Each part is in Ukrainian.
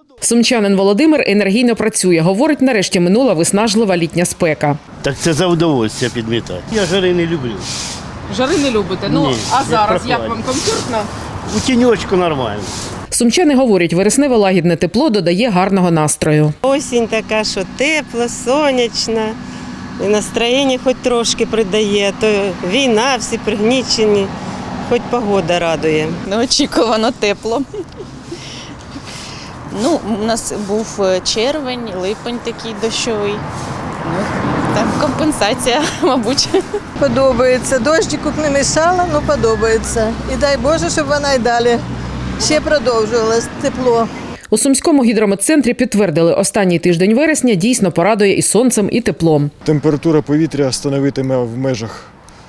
Сумчанин Володимир енергійно працює. Говорить, нарешті минула виснажлива літня спека. Так це за удовольствие підмітати. Я жари не люблю. Жари не любите? Ні, а зараз прохладно. як вам комфортно? У тіньочку нормально. Сумчани говорять, вересневе лагідне тепло додає гарного настрою. Осінь така, що тепло, сонячна, і настроєння хоч трошки придає, то війна, всі пригнічені, хоч погода радує. Неочікувано тепло. У нас був червень, липень такий дощовий. Там компенсація, мабуть. Подобається. Дощику не мішала, але подобається. І дай Боже, щоб вона й далі ще продовжувалась тепло. У Сумському гідрометцентрі підтвердили, останній тиждень вересня дійсно порадує і сонцем, і теплом. Температура повітря становитиме в межах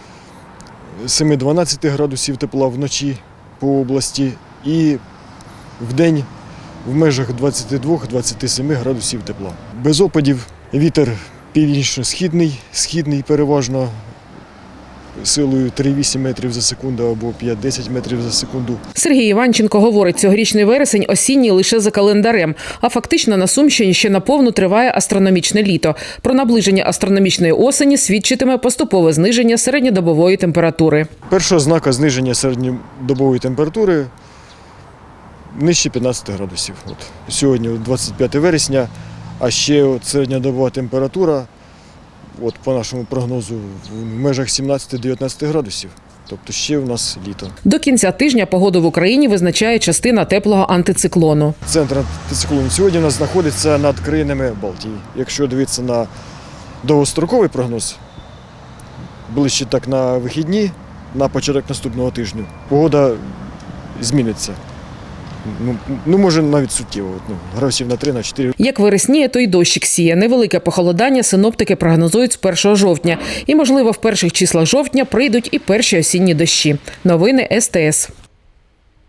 7-12 градусів тепла вночі по області і вдень в межах 22-27 градусів тепла. Без опадів вітер північно-східний, східний переважно силою 3,8 метрів за секунду або 5-10 метрів за секунду. Сергій Іванченко говорить, цьогорічний вересень осінній лише за календарем, а фактично на Сумщині ще наповну триває астрономічне літо. Про наближення астрономічної осені свідчитиме поступове зниження середньодобової температури. Перша ознака зниження середньодобової температури нижче 15 градусів. Сьогодні 25 вересня, а ще середньодобова температура, по нашому прогнозу, в межах 17-19 градусів. Тобто ще в нас літо. До кінця тижня погоду в Україні визначає частина теплого антициклону. Центр антициклону сьогодні у нас знаходиться над країнами Балтії. Якщо дивитися на довгостроковий прогноз, ближче так на вихідні, на початок наступного тижня, погода зміниться. Може навіть суттєво, градусів на 3-4. Як вересніє, то й дощик сіє. Невелике похолодання синоптики прогнозують з 1 жовтня. І, можливо, в перших числах жовтня прийдуть і перші осінні дощі. Новини СТС.